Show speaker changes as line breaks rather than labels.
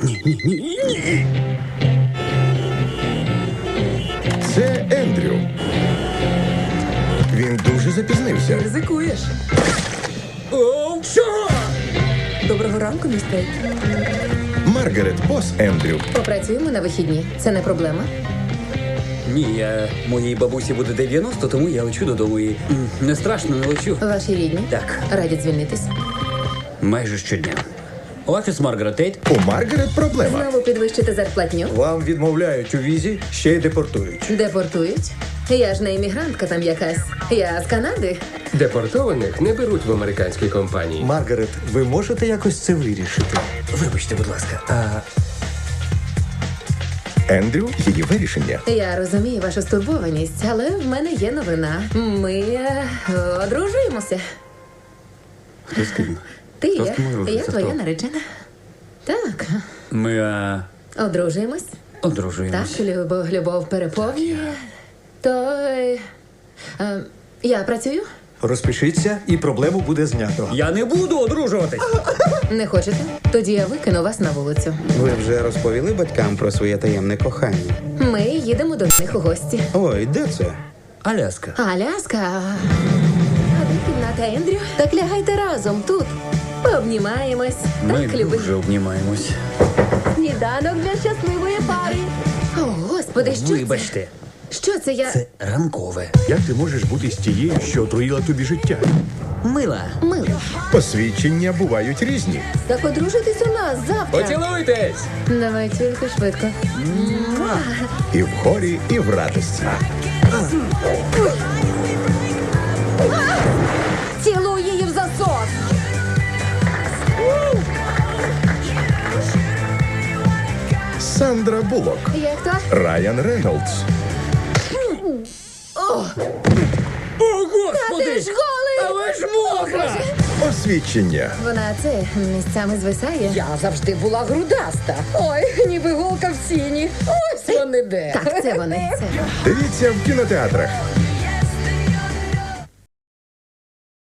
Ні.
Це Ендрю. Він дуже запізнився.
Ризикуєш. О, що? Доброго ранку, містер.
Маргарет, бос Ендрю.
Попрацюємо на вихідні. Це не проблема.
Ні, моїй бабусі буде 90, тому я лечу додому і не страшно, не лечу.
Ваші рідні?
Так.
Радять звільнитись.
Майже щодня. Офіс Маргарет Тейт.
У Маргарет проблема.
Знову підвищити зарплатню.
Вам відмовляють у візі, ще й депортують.
Депортують. Я ж не іммігрантка там якась. Я з Канади.
Депортованих не беруть в американські компанії.
Маргарет, ви можете якось це вирішити?
Вибачте, будь ласка.
Ендрю – її вирішення.
Я розумію вашу стурбованість, але в мене є новина. Ми одружуємося.
Хто з ким?
Ти
Хто з
є.
ким одружується?
Я твоя
Хто?
наречена. Так.
Ми
Одружуємось.
одружуємось.
Так, любов переповнює. То я працюю?
Розпишіться, і проблему буде знято.
Я не буду одружуватись.
Не хочете? Тоді я викину вас на вулицю.
Ви вже розповіли батькам про своє таємне кохання?
Ми їдемо до них у гості.
Ой, де це?
Аляска.
Аляска. А де кімната Ендрю? Так лягайте разом тут. Пообнімаємось.
Ми
Так, любить.
дуже обнімаємось.
Сніданок для щасливої пари. О, Господи, що
Вибачте,
це? Що це я?
це ранкове.
Як ти можеш бути з тією, що отруїла тобі життя?
Мила.
Милий.
Посвідчення бувають різні.
Так одружитись у нас завтра.
Поцілуйтесь!
Давай тільки швидко.
І в хорі, і в радості.
Цілуй її в засос.
Сандра Буллок.
Як то?
Райан Рейнольдс.
О, Господи!
Ти ж голий!
Але ж мокра!
Освідчення.
Вона це місцями звисає.
Я завжди була грудаста. Ой, ніби голка в сіні. Ось вони де.
Так, це вони. Це.
Дивіться в кінотеатрах.